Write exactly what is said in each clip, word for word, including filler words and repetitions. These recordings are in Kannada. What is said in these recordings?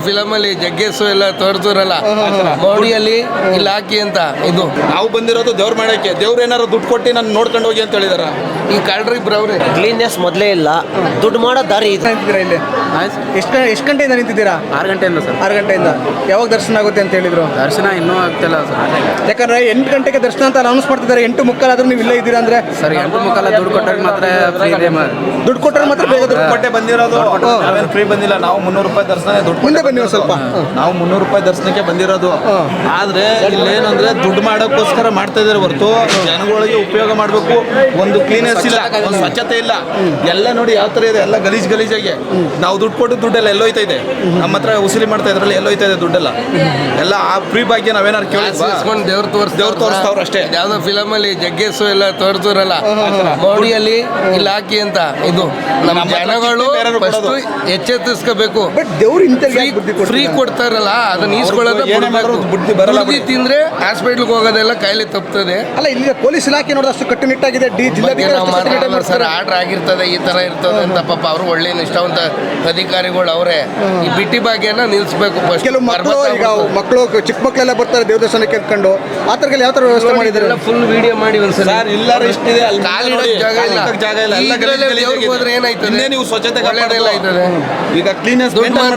ಫಿಲಮ್ ಅಲ್ಲಿ ಜಗ್ಗೇಶು ಎಲ್ಲ ತೋರಿಸಿರಲ್ಲ ಮೋಡಿಯಲ್ಲಿ ಇಲ್ಲಿ ಹಾಕಿ ಅಂತ. ಇದು ನಾವು ಬಂದಿರೋದು ದೇವ್ರ ಮಾಡಕ್ಕೆ, ದೇವ್ರು ಏನಾರು ದುಡ್ಡು ಕೊಟ್ಟು ನಾನು ನೋಡ್ಕೊಂಡು ಹೋಗಿ ಅಂತ ಹೇಳಿದಾರ. ಈ ಕಳ್ರಿ ಇಬ್ರು ಅವ್ರೆ. ಕ್ಲೀನ್ನೆಸ್ ಮೊದಲೇ ಇಲ್ಲ, ದುಡ್ಡು ಮಾಡೋ ದಾರಿ ಇದೆ. ಇಲ್ಲಿ ಎಷ್ಟು ಎಷ್ಟು ಗಂಟೆಯಿಂದ ನಿಂತಿದ್ದೀರಾ? ಆರು ಗಂಟೆಯಿಂದ ಸರ್. ಆರು ಗಂಟೆಯಿಂದ. ಯಾವಾಗ ದರ್ಶನ ಆಗುತ್ತೆ ಅಂತ ಹೇಳಿದ್ರು? ದರ್ಶನ ಇನ್ನೂ ಆಗ್ತಿಲ್ಲ ಸರ್. ಯಾಕಂದ್ರೆ ಎಂಟು ಗಂಟೆಗೆ ದರ್ಶನ ಅಂತ ಅನೌನ್ಸ್ ಮಾಡ್ತಿದ್ದಾರೆ, ಎಂಟು ಮುಕ್ಕಾಲು ಆದ್ರೂ ನೀವು ಇಲ್ಲೇ ಇದ್ದೀರಾ ಅಂದ್ರೆ? ಸರ್ ಎಂಟು ಮುಕ್ಕಾಲ ದುಡ್ಡು ಕೊಟ್ಟರೆ ಮಾತ್ರ ಫ್ರೀ ಇದೆ. ದುಡ್ಡು ಕೊಟ್ಟರೆ ಮಾತ್ರ ಬೇಗ ದುಡ್ಡು ಕೊಟ್ಟೆ ಬಂದಿರೋದು, ಫ್ರೀ ಬಂದಿಲ್ಲ. ನಾವು ಮುನ್ನೂರು ರೂಪಾಯಿ ದರ್ಶನ ದುಡ್ಡು ಮುಂದೆ ಬನ್ನಿ ಸ್ವಲ್ಪ. ನಾವು ಮುನ್ನೂರು ರೂಪಾಯಿ ದರ್ಶನಕ್ಕೆ ಬಂದಿರೋದು. ಆದ್ರೆ ಇಲ್ಲೇನಂದ್ರೆ ದುಡ್ಡು ಮಾಡೋಕ್ಕೋಸ್ಕರ ಮಾಡ್ತಾ ಇದಾರೆ ಹೊರತು ಜನಗಳಿಗೆ ಉಪಯೋಗ ಮಾಡಬೇಕು. ಒಂದು ಕ್ಲೀನೆಸ್ ಇಲ್ಲ, ಒಂದು ಸ್ವಚ್ಛತೆ ಇಲ್ಲ. ಎಲ್ಲ ನೋಡಿ ಯಾವ ತರ ಇದೆ, ಎಲ್ಲ ಗಲೀಜ್ ಗಲೀಜಾಗಿ. ನಾವು ದುಡ್ಡು ಕೊಟ್ಟು ದುಡ್ಡೆಲ್ಲ ಎಲ್ಲೋಯ್ತಾ ಇದೆ, ನಮ್ಮ ಹತ್ರ ಉಸಿರಿ ಮಾಡ್ತಾ ಇದ್ರಲ್ಲಿ ಎಲ್ಲೋಯ್ತಾ ಇದೆ ದುಡ್ಡೆಲ್ಲ. ಎಲ್ಲ ಆ ಫ್ರೀ ಬಗ್ಗೆ ನಾವೇನಾರು ಕೇಳಿಸ್ಕೊಂಡು ದೇವ್ರು ತೋರಿಸ್ ದೇವ್ರು ತೋರಿಸ್ತಾವ್ರು ಅಷ್ಟೇ. ಯಾವ್ದೋ ಫಿಲಮ್ ಅಲ್ಲಿ ಜಗ್ಗೇಶು ಎಲ್ಲ ತೋರಿಸಿರಲ್ಲ ಮೋಡಿಯಲ್ಲಿ ಇಲ್ಲಿ ಹಾಕಿ ಅಂತ. ಇದು ನಮ್ಮ ಜನಗಳು ಎಚ್ಚೆತ್ತಿಸ್ಕೋಬೇಕು. ಬಟ್ ದೇವ್ರು ಇಂಥ ಫ್ರೀ ಕೊಡ್ತಾರಲ್ಲ ಅದನ್ನ ಈಸ್ಕೊಳ್ಳೋದು ಬುದ್ಧಿ ಬರಲ್ಲ. ಬುದ್ಧಿ ತಿಂದ್ರೆ ಹಾಸ್ಪಿಟ್ಲ್ಗೆ ಹೋಗೋದೆಲ್ಲ ಕಾಯಿಲೆ ತಪ್ತದೆ. ಅಲ್ಲ, ಇಲ್ಲಿ ಪೊಲೀಸ್ ಇಲಾಖೆ ನೋಡಿದ್ರೆ ಅಷ್ಟು ಕಟ್ಟುನಿಟ್ಟಾಗಿದೆ. ಡಿ ಜಿಲ್ಲಾಧಿಕಾರಿ ಸರ್ ಆರ್ಡರ್ ಆಗಿರ್ತದೆ, ಈ ತರ ಇರ್ತದೆ ಅಂತ. ಪಾಪ ಅವರು ಒಳ್ಳೆ ನಿಷ್ಠಾವಂತ ಅಧಿಕಾರಿಗಳು ಅವರೇ. ಈ ಬಿಟ್ಟಿ ಭಾಗ್ಯನ ನಿಲ್ಸ್ಬೇಕು. ಕೆಲವು ಮಕ್ಕಳು, ಈಗ ಮಕ್ಕಳು ಚಿಕ್ಕ ಮಕ್ಕಳೆಲ್ಲ ಬರ್ತಾರೆ ದೇವ್ರ ದರ್ಶನಕ್ಕೆ ಎತ್ಕೊಂಡು. ಆ ತರ ಯಾವ ತರ ವ್ಯವಸ್ಥೆ ಮಾಡಿದ್ದಾರೆ? ಫುಲ್ ವಿಡಿಯೋ ಮಾಡಿ ಒಂದ್ಸಲ. ಎಲ್ಲರೂ ಇಷ್ಟಿದೆ, ಅಲ್ಲಿ ಕಾಲಿಡೋಕೆ ಜಾಗ ಇಲ್ಲ, ಜಾಗ ಇಲ್ಲ. ಎಲ್ಲ ಗಲೀಜ್ ಹೋದ್ರೆ ಏನಾಯ್ತದೆ? ನೀವು ಸ್ವಚ್ಛತೆ ಒಳ್ಳೆದೆಲ್ಲ ಆಯ್ತದೆ. ಈಗ ಕ್ಲೀನೆಸ್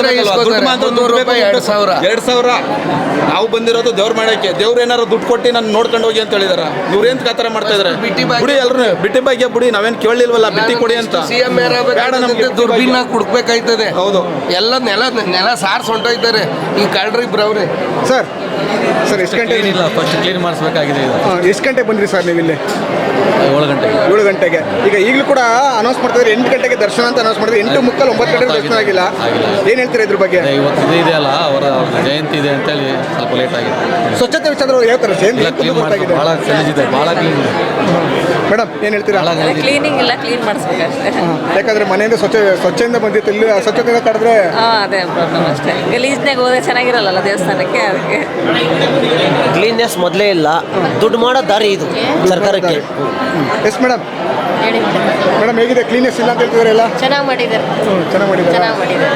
ಎರಡು ಸಾವಿರ ಎರಡು ಸಾವಿರ ನಾವು ಬಂದಿರೋದು ದೇವ್ರ ಮಾಡಕ್ಕೆ, ದೇವ್ರು ಏನಾರು ದುಡ್ಡು ಕೊಟ್ಟು ನಾನು ನೋಡ್ಕೊಂಡು ಹೋಗಿ ಅಂತ ಹೇಳಿದಾರ. ಇವ್ರು ಏನ್ ಕಾತರ ಮಾಡ್ತಾ ಇದಾರೆ? ಬಿಡಿ ಎಲ್ರು ಬಿಟ್ಟಿ ಬಗ್ಗೆ ಬಿಡಿ, ನಾವೇನ್ ಕೇಳಲಿಲ್ವಲ್ಲ ಬಿಟ್ಟಿ ಕೊಡಿ ಅಂತ. ಸಿಎಂ ನಮ್ಗೆ ದುರ್ಬಿನ್ನ ಕುಡ್ಬೇಕಾಯ್ತದೆ. ಹೌದು, ಎಲ್ಲ ನೆಲ ನೆಲ ಸಾರ್ಸ್ ಹೊಂಟೋಯ್ತಾರೆ ಈ ಕಳ್ರಿ ಇಬ್ರು ಅವ್ರೆ. ಸರ್ ಸರ್ ಎಷ್ಟು ಗಂಟೆ? ಇಲ್ಲ, ಫಸ್ಟ್ ಕ್ಲೀನ್ ಮಾಡಿಸ್ಬೇಕಾಗಿದೆ. ಎಷ್ಟು ಗಂಟೆಗೆ ಬಂದ್ರಿ ಸರ್ ನೀವು ಇಲ್ಲಿ? ಏಳು ಗಂಟೆಗೆ. ಏಳು ಗಂಟೆಗೆ. ಈಗ ಈಗಲೂ ಕೂಡ ಅನೌನ್ಸ್ ಮಾಡ್ತಿದ್ರೆ ಎಂಟು ಗಂಟೆಗೆ ದರ್ಶನ ಅಂತ ಅನೌನ್ಸ್ ಮಾಡಿದ್ರೆ ಎಂಟು ಮುಕ್ಕಾಲು ಒಂಬತ್ತು ಗಂಟೆಗೆ ದರ್ಶನ ಆಗಿಲ್ಲ. ಏನ್ ಹೇಳ್ತೀರಾ ಇದ್ರ ಬಗ್ಗೆ? ಇವತ್ತು ಇದು ಇದೆಯಲ್ಲ, ಅವರ ಜಯಂತಿ ಇದೆ ಅಂತೇಳಿ ಸ್ವಲ್ಪ ಲೇಟ್ ಆಗಿದೆ. ಸ್ವಚ್ಛತೆ ವಿಚಾರ ಯಾವ ತರ ಕ್ಲೀನ್ ಮಾಡಿ ಭಾಳ ಗಲೀಜಿದೆ, ಭಾಳ ಕ್ಲೀನ್ ಇದೆ. ಮೇಡಮ್ ಏನ್ ಹೇಳ್ತೀರಾ? ಕ್ಲೀನಿಂಗ್ ಇಲ್ಲ, ಕ್ಲೀನ್ ಮಾಡಿಸ್ಬೇಕಷ್ಟೇ. ಯಾಕಂದ್ರೆ ಮನೆಯಿಂದ ಸ್ವಚ್ಛ ಸ್ವಚ್ಛದಿಂದ ಬಂದಿತ್ತು, ಇಲ್ಲಿ ಸ್ವಚ್ಛತೆಯಿಂದ ಕಡಿದ್ರೆ ಅದೇ ಪ್ರಾಬ್ಲಮ್ ಅಷ್ಟೇ. ಗಲೀಜ್ನಾಗ ಹೋದ್ರೆ ಚೆನ್ನಾಗಿರಲ್ಲ ದೇವಸ್ಥಾನಕ್ಕೆ, ಅದಕ್ಕೆ. ಕ್ಲೀನ್ನೆಸ್ ಮೊದಲೇ ಇಲ್ಲ, ದುಡ್ಡು ಮಾಡೋ ದಾರಿ ಇದು ಸರ್ಕಾರಕ್ಕೆ. Yes madam. ಮೇಡಮ್ ಹೇಗಿದೆ? ಕ್ಲೀನೆಸ್ ಇಲ್ಲ ಅಂತ ಹೇಳ್ತಿದ್ದಾರೆ ಎಲ್ಲ. ಚೆನ್ನಾಗಿ ಮಾಡಿದ್ದಾರೆ, ಚೆನ್ನಾಗಿ ಮಾಡಿದ್ದಾರೆ. ಚೆನ್ನಾಗಿ ಮಾಡಿದ್ದಾರೆ.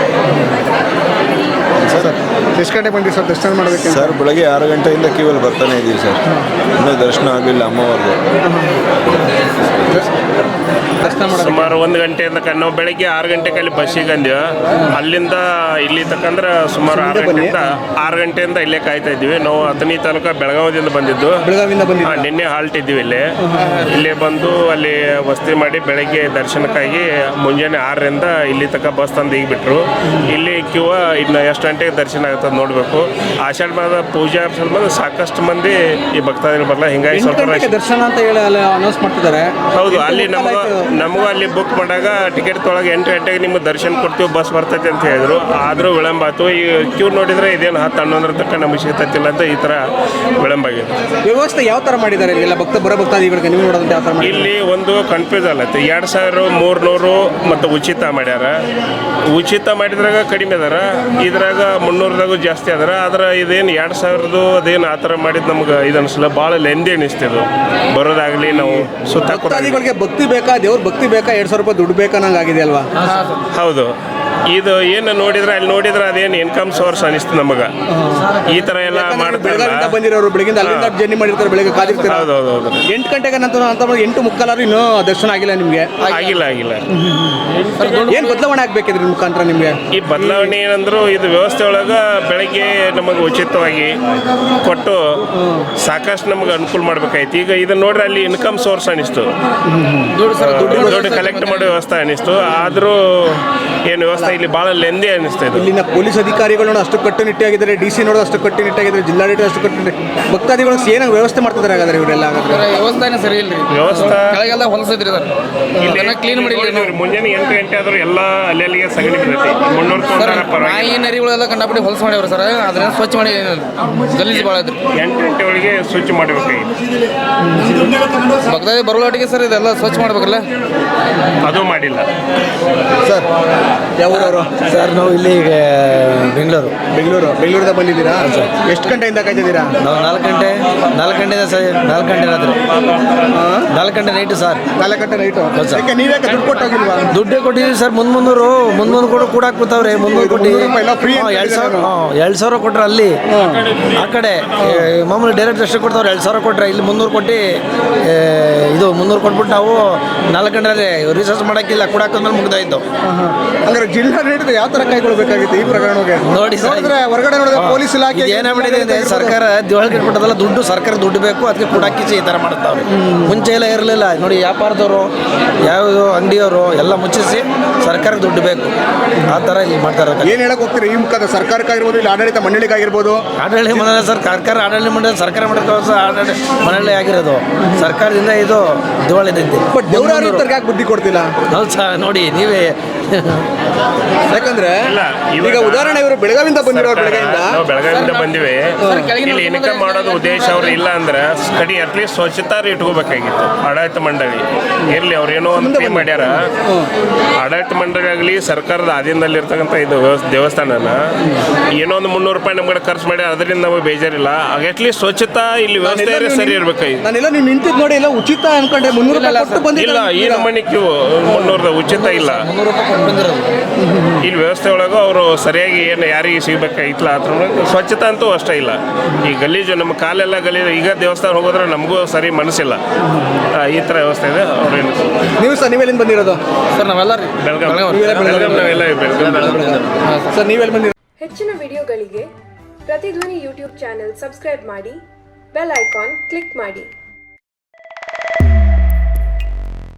ಸರ್ ಎಷ್ಟು ಗಂಟೆಗೆ ಬಂದಿರಿ ಸರ್ ದರ್ಶನ ಮಾಡೋದಕ್ಕೆ? ಸರ್ ಬೆಳಗ್ಗೆ ಆರು ಗಂಟೆಯಿಂದ ಕ್ಯೂವಲ್ಲಿ ಬರ್ತಾನೆ ಇದ್ದೀವಿ ಸರ್, ಇನ್ನೂ ದರ್ಶನ ಆಗಲಿಲ್ಲ ಅಮ್ಮವ್ರದ್ದು. ಸುಮಾರು ಒಂದು ಗಂಟೆಯಿಂದ ನಾವು ಬೆಳಗ್ಗೆ ಆರು ಗಂಟೆಗೆ ಅಲ್ಲಿ ಬಸ್ಸಿಗೆ ಅಂದೀವಿ. ಅಲ್ಲಿಂದ ಇಲ್ಲಿ ತಕ್ಕಂದ್ರೆ ಸುಮಾರು ಆರು ಗಂಟೆಯಿಂದ ಆರು ಗಂಟೆಯಿಂದ ಇಲ್ಲೇ ಕಾಯ್ತಾ ಇದ್ದೀವಿ. ನಾವು ಅಥಣಿ ತಾಲೂಕು ಬೆಳಗಾವಿಯಿಂದ ಬಂದಿದ್ದು. ಬೆಳಗಾವಿಯಿಂದ ಬಂದಿದ್ದು. ನಿನ್ನೆ ಹಾಲ್ಟ್ ಇದ್ದೀವಿ ಇಲ್ಲಿ. ಇಲ್ಲೇ ಬಂದು ಅಲ್ಲಿ ವಸತಿ ಮಾಡಿ ಬೆಳಗ್ಗೆ ದರ್ಶನಕ್ಕಾಗಿ ಮುಂಜಾನೆ ಆರರಿಂದ ಇಲ್ಲಿ ತನಕ ಬಸ್ ತಂದು ಈಗ ಬಿಟ್ಟರು. ಇಲ್ಲಿ ಕ್ಯೂ ಇನ್ನು ಎಷ್ಟು ಗಂಟೆಗೆ ದರ್ಶನ ಆಗುತ್ತದೆ ನೋಡಬೇಕು. ಆಷಾಢ ಮಾಸದ ಪೂಜಾ ಸಂಬಂಧ ಸಾಕಷ್ಟು ಮಂದಿ ಈ ಭಕ್ತಾದಿಗಳು ಬರಲ್ಲ, ಹಿಂಗಾಗಿ ಸ್ವಲ್ಪ ದರ್ಶನ ಅಂತ ಹೇಳಿ ಅನೌನ್ಸ್ ಮಾಡ್ತಿದ್ದಾರೆ. ಹೌದು, ಅಲ್ಲಿ ನಮಗ ನಮಗೂ ಅಲ್ಲಿ ಬುಕ್ ಮಾಡಾಗ ಟಿಕೆಟ್ ತೊಳಗೆ ಎಂಟು ಗಂಟೆಗೆ ನಿಮ್ಗೆ ದರ್ಶನ ಕೊಡ್ತೀವಿ, ಬಸ್ ಬರ್ತೈತೆ ಅಂತ ಹೇಳಿದ್ರು. ಆದರೂ ವಿಳಂಬ ಆಯ್ತು. ಈ ಕ್ಯೂ ನೋಡಿದರೆ ಇದೇನು ಹತ್ತು ಹನ್ನೊಂದರ ತನಕ ನಮಗೆ ಸಿಗ್ತೈತಿಲ್ಲ ಅಂತ ಈ ಥರ ವಿಳಂಬ ಆಗಿದೆ. ವ್ಯವಸ್ಥೆ ಯಾವ ಥರ ಮಾಡಿದ್ದಾರೆ ಇಲ್ಲೆಲ್ಲ ಭಕ್ತ ಬರೋ ಭಕ್ತಾದಿಗಳಿಗೆ? ನೀವು ನೋಡೋದಂತ ಯಾವ ಥರ ಮಾಡಿ? ಇಲ್ಲಿ ಒಂದು ಕನ್ಫ್ಯೂಸ್ ಆಗತ್ತೆ. ಎರಡು ಸಾವಿರ ಮೂರ್ನೂರು ಮತ್ತು ಉಚಿತ ಮಾಡ್ಯಾರ. ಉಚಿತ ಮಾಡಿದ್ರಾಗ ಕಡಿಮೆ ಅದಾರ, ಇದ್ರಾಗ ಮುನ್ನೂರದಾಗೂ ಜಾಸ್ತಿ ಅದಾರ. ಆದ್ರೆ ಇದೇನು ಎರಡು ಸಾವಿರದ್ದು ಅದೇನು ಆ ಥರ ಮಾಡಿದ್ದು ನಮ್ಗೆ ಇದು ಅನಿಸಲ್ಲ, ಭಾಳ ಲೆಂದಿ ಅನಿಸ್ತಿದ್ದು ಬರೋದಾಗಲಿ. ನಾವು ಸುತ್ತ ಭಕ್ತಾದಿಗಳಿಗೆ ಭಕ್ತಿ ಬೇಕಾ, ದೇವ್ರ ಭಕ್ತಿ ಬೇಕಾ, ಎರಡು ಸಾವಿರ ರೂಪಾಯಿ ದುಡ್ಡು ಬೇಕಾ ನಂಗೆ ಆಗಿದೆ ಅಲ್ವಾ? ಹೌದು, ಇದು ಏನು ನೋಡಿದ್ರೆ ಅಲ್ಲಿ ನೋಡಿದ್ರೆ ಅದೇನು ಇನ್ಕಮ್ ಸೋರ್ಸ್ ಅನಿಸ್ತು ನಮಗೆ. ಈ ಥರ ಎಲ್ಲ ಮಾಡ್ತಾರೆ. ಬಂದಿರೋರು ಬೆಳಗಿಂದ ಅಲ್ಲಿಂದ ಜರ್ನಿ ಮಾಡಿರ್ತಾರೆ, ಬೆಳಗ್ಗೆ ಕಾದಿರ್ತಾರೆ. ಹೌದು ಹೌದು ಹೌದು. ಎಂಟು ಗಂಟೆಗೆ ನಂತರ ಅಂತ ಎಂಟು ಮುಕ್ಕಾಲಾರು ಇನ್ನೂ ದರ್ಶನ ಆಗಿಲ್ಲ ನಿಮಗೆ? ಆಗಿಲ್ಲ ಆಗಿಲ್ಲ. ಏನು ಬದಲಾವಣೆ ಆಗ್ಬೇಕಿದ್ರೆ ನಿಮ್ಮ ಮುಖಾಂತರ ನಿಮಗೆ? ಈ ಬದಲಾವಣೆ ಏನಂದ್ರು, ಇದು ವ್ಯವಸ್ಥೆ ಒಳಗೆ ಬೆಳಗ್ಗೆ ನಮಗೆ ಉಚಿತವಾಗಿ ಕೊಟ್ಟು ಸಾಕಷ್ಟು ನಮಗೆ ಅನುಕೂಲ ಮಾಡ್ಬೇಕಾಯ್ತು. ಈಗ ಇದನ್ನ ನೋಡ್ರೆ ಅಲ್ಲಿ ಇನ್ಕಮ್ ಸೋರ್ಸ್ ಅನಿಸ್ತು, ದುಡ್ಡು ಕಲೆಕ್ಟ್ ಮಾಡೋ ವ್ಯವಸ್ಥೆ ಅನಿಸ್ತು. ಆದರೂ ಏನು ವ್ಯವಸ್ಥೆ ಇಲ್ಲಿ ಭಾಳ ಲೆಂದಿ ಅನಿಸ್ತಾ ಇದೆ. ಇಲ್ಲಿನ ಪೊಲೀಸ್ ಅಧಿಕಾರಿಗಳು ನೋಡಿ ಅಷ್ಟು ಕಟ್ಟುನಿಟ್ಟಾಗಿದ್ದಾರೆ, ಡಿ ಸಿ ನೋಡೋದು ಅಷ್ಟು ಕಟ್ಟುನಿಟ್ಟಾಗಿದ್ದಾರೆ, ಜಿಲ್ಲಾಡಳಿತ ಅಷ್ಟು ಕಟ್ಟುನಿಟ್ಟು. ಭಕ್ತಾದಿಗಳು ಏನಾಗ ವ್ಯವಸ್ಥೆ ಮಾಡ್ತಿದ್ದಾರೆ ಹಾಗಾದ್ರೆ ಇವರೆಲ್ಲ? ಹಾಗಾದ್ರೆ ವ್ಯವಸ್ಥೆನೇ ಸರಿ ಇಲ್ಲ. ವ್ಯವಸ್ಥೆ ಕೆಳಗೆಲ್ಲ ಹೊಲಸಿದ್ರಿ ಕ್ಲೀನ್ ಮಾಡಿ. ಮುಂಜಾನೆ ಎಂಟು ಗಂಟೆ ಆದ್ರೂ ಎಲ್ಲ ಅಲ್ಲಿ ಅಲ್ಲಿಗೆ ಸಗಣಿ ಬಿದ್ದೈತಿ. ಮುನ್ನೂರು ನಾಯಿ ನರಿಗಳೆಲ್ಲ ಕಂಡಪಟ್ಟಿ ಹೊಲಸ ಮಾಡಿ ಮಾಡ್ಯಾವ್ರಿ ಸರ್ ಅದನ್ನ ಸ್ವಚ್ಛ ಮಾಡಿ ಏನಿಲ್ಲ ಗಲೀಜು ಭಾಳ ಐತ್ರಿ ಎಂಟು ಗಂಟೆ ಒಳಗೆ ಸ್ವಚ್ಛ ಮಾಡಬೇಕಾಗಿತ್ತು ಭಕ್ತಾದಿ ಬರುವಟಿಗೆ ಸರ್ ಇದೆಲ್ಲ ಸ್ವಚ್ಛ ಮಾಡ್ಬೇಕಲ್ಲ ಅದು ಮಾಡಿಲ್ಲ. ಸರ್ ಯಾವ ಊರವರು? ಸರ್ ನಾವು ಇಲ್ಲಿ ಬೆಂಗಳೂರು ಬೆಂಗಳೂರು ಬೆಂಗಳೂರಿಂದ ಬಂದಿದ್ದೀರಾ? ಎಷ್ಟು ಗಂಟೆಯಿಂದ ಕಾಯ್ತಿದ್ದೀರಾ? ನಾವು ನಾಲ್ಕು ಗಂಟೆ ನಾಲ್ಕು ಗಂಟೆ ಸರ್ ನಾಲ್ಕು ಗಂಟೆ ರಾತ್ರಿ ನಾಲ್ಕು ಗಂಟೆ ನೈಟು ಸರ್ ನಾಲ್ಕು ಗಂಟೆ ನೈಟು. ಯಾಕೆ ನೀವೇ ದುಡ್ಡು ಕೊಟ್ಟೋಗಿಲ್ವಾ? ದುಡ್ಡೇ ಕೊಟ್ಟಿದ್ದೀವಿ ಸರ್. ಮುಂದ್ ಮುನ್ನೂರು ಮುಂದ್ ಮುಂದೆ ಕೂಡ ಕೂಡ ಹಾಕ್ಬಿಡ್ತಾವ್ರೆ ಮುನ್ನೂರು ಕೊಟ್ಟು ಮುನ್ನೂರು ರೂಪಾಯಿ ಎಲ್ಲ free ಅಂತ ಎರಡು ಸಾವಿರ ಹೇಳಿದ್ರು. ಹ್ಞೂ ಎರಡು ಸಾವಿರ ಕೊಟ್ರೆ ಅಲ್ಲಿ ಆ ಕಡೆ ಏ, ಮಾಮೂಲಿ ಡೈರೆಕ್ಟ್ ಅಷ್ಟೇ ಕೊಡ್ತಾವ್ರೆ. ಎರಡು ಸಾವಿರ ಕೊಟ್ರೆ ಇಲ್ಲಿ ಮುನ್ನೂರು ಕೊಟ್ಟು ಏ, ಇದು ಮುನ್ನೂರು ಕೊಟ್ಬಿಟ್ಟು ನಾವು ನಾಲ್ಕು ಗಂಟೆ ರಿಸರ್ಚ್ ಮಾಡೋಕ್ಕಿಲ್ಲ ಕೂಡ ಹಾಕಿದ್ಮೇಲೆ ಮುಗ್ದಾಯ್ತು. ಹಂಗಾರೆ ಜಿಲ್ಲಾಡಳಿತ ಯಾವ ತರ ಕೈಗೊಳ್ಬೇಕಾಗಿತ್ತು ಈ ಪ್ರಕರಣಕ್ಕೆ? ನೋಡಿ ಸರ್, ನೋಡಿದ್ರೆ ಹೊರಗಡೆ ನೋಡಿದ್ರೆ ಪೊಲೀಸ್ ಇಲಾಖೆ ಇದು ಏನಾಗ್ಬಿಟ್ಟಿದೆ ಅಂದ್ರೆ ಸರ್ಕಾರ ದಿವಾಳಿಗೆ ಇಟ್ಬಿಟ್ಟದಲ್ಲ, ದುಡ್ಡು ಸರ್ಕಾರ ದುಡ್ಡು ಬೇಕು ಅದಕ್ಕೆ ಕೂಡ ಹಾಕಿಸಿ ಈ ಥರ ಮಾಡ್ತಾವ್ರೆ. ಮುಂಚೆ ಎಲ್ಲ ಇರಲಿಲ್ಲ ನೋಡಿ, ವ್ಯಾಪಾರದವರು ಯಾವ ಅಂಗಡಿಯವರು ಎಲ್ಲ ಮುಚ್ಚಿಸಿ ಸರ್ಕಾರಕ್ಕೆ ದುಡ್ಡು ಬೇಕು ಆ ಥರ ಇಲ್ಲಿ ಮಾಡ್ತಾರೆ. ಏನ್ ಹೇಳಕ್ ಹೋಗ್ತೀರಿ ಈ ಮುಖದ ಸರ್ಕಾರಕ್ಕಾಗಿರ್ಬೋದು ಇಲ್ಲ ಆಡಳಿತ ಮಂಡಳಿಗಾಗಿರ್ಬೋದು? ಆಡಳಿತ ಮಂಡಳಿ ಸರ್, ಸರ್ಕಾರ ಆಡಳಿತ ಮಂಡಳಿ ಸರ್ಕಾರ ಮಾಡಿದ ಆಡಳಿತ ಮಂಡಳಿ ಆಗಿರೋದು ಸರ್ಕಾರದಿಂದ ಇದು ದಿವಾಳಿದಂತೆ. ಬಟ್ ದೇವರಾರಿತರಿಗೆ ಯಾಕೆ ಬುದ್ಧಿ ಕೊಡ್ತಿಲ್ಲ? ಹೌದು ಸರ್, ನೋಡಿ ನೀವೇ ಯಾಕಂದ್ರೆ ಇಲ್ಲ, ಇವಾಗ ಈಗ ಉದಾಹರಣೆ ಇವರು ಬೆಳಗಾವಿಂದ ಬಂದಿರೋರು ಬೆಳಗಾವಿಂದ ನಾವು ಬೆಳಗಾವಿಯಿಂದ ಬಂದಿವಿ. ಇಲ್ಲಿ ಇನ್ಕಮ್ ಮಾಡೋದು ಉದ್ದೇಶ ಅವ್ರು ಇಲ್ಲ ಅಂದ್ರೆ ಕಡಿ ಅಟ್ಲೀಸ್ಟ್ ಸ್ವಚ್ಛತಾ ಇಟ್ಕೋಬೇಕಾಗಿತ್ತು ಆಡಳಿತ ಮಂಡಳಿ. ಇರ್ಲಿ ಅವ್ರು ಏನೋ ಒಂದು ಪೇ ಮಾಡ್ಯಾರ. ಆಡಳಿತ ಮಂಡಳಿ ಆಗಲಿ ಸರ್ಕಾರದ ಆಧೀನದಲ್ಲಿ ಇರ್ತಕ್ಕಂಥ ಇದು ವ್ಯವಸ್ಥೆ ದೇವಸ್ಥಾನನ ಏನೋ ಒಂದು ಮುನ್ನೂರು ರೂಪಾಯಿ ನಮ್ಗಡೆ ಖರ್ಚು ಮಾಡಿ ಅದರಿಂದ ನಮಗೆ ಬೇಜಾರಿಲ್ಲ. ಅಟ್ಲೀಸ್ಟ್ ಸ್ವಚ್ಛತಾ ಇಲ್ಲಿ ವ್ಯವಸ್ಥೆ ಸರಿ ಇರ್ಬೇಕಾಗಿತ್ತು. ನಾನೆಲ್ಲ ನೀವು ನಿಂತಿದ್ದು ನೋಡಿ ಎಲ್ಲ ಉಚಿತ ಅನ್ಕೊಂಡೆ ಮುನ್ನೂರು ರೂಪಾಯಿ ಕೊಟ್ಟು ಇಲ್ಲ, ಬಂದಿಲ್ಲ. ಈ ನಮ್ಮನೆ ಕ್ಯೂ ಮುನ್ನೂರದ ಉಚಿತ ಇಲ್ಲ. ಮುನ್ನೂರು ರೂಪಾಯಿ ಕೊಟ್ಟು ಬಂದಿರೋದು. ಇಲ್ಲಿ ವ್ಯವಸ್ಥೆ ಒಳಗೂ ಅವರು ಸರಿಯಾಗಿ ಏನು ಯಾರಿಗೆ ಸಿಗಬೇಕಾಗಿತ್ತಲ್ಲ ಅದ್ರ ಸ್ವಚ್ಛತಾ ಅಂತೂ ಅಷ್ಟೇ ಇಲ್ಲ. ಈ ಗಲೀಜು ನಮ್ಮ ಕಾಲೆಲ್ಲ ಗಲೀಜು. ಈಗ ದೇವಸ್ಥಾನ ಹೋಗೋದ್ರೆ ನಮಗೂ ಸರಿ ಮನಸ್ಸಿಲ್ಲ. ಆ, ಈ ಥರ ವ್ಯವಸ್ಥೆ ಇದೆ. ಅವ್ರೇನು ನೀವು ಸರ್ ನೀವೆಲ್ಲಿಂದ ಬಂದಿರೋದು? ಸರ್ ನಾವೆಲ್ಲ ರೀ ಬೆಳಗಾವಿ ಬೆಳಗಾವಿ ನಾವೆಲ್ಲ ಬೆಳಗಾವಿ. ಸರ್ ನೀವೆಲ್ಲಿ ಬಂದಿರೋದು? ಹೆಚ್ಚಿನ ವಿಡಿಯೋಗಳಿಗೆ ಪ್ರತಿಧ್ವನಿ ಯೂಟ್ಯೂಬ್ ಚಾನೆಲ್ ಸಬ್ಸ್ಕ್ರೈಬ್ ಮಾಡಿ, ಬೆಲ್ ಐಕಾನ್ ಕ್ಲಿಕ್ ಮಾಡಿ.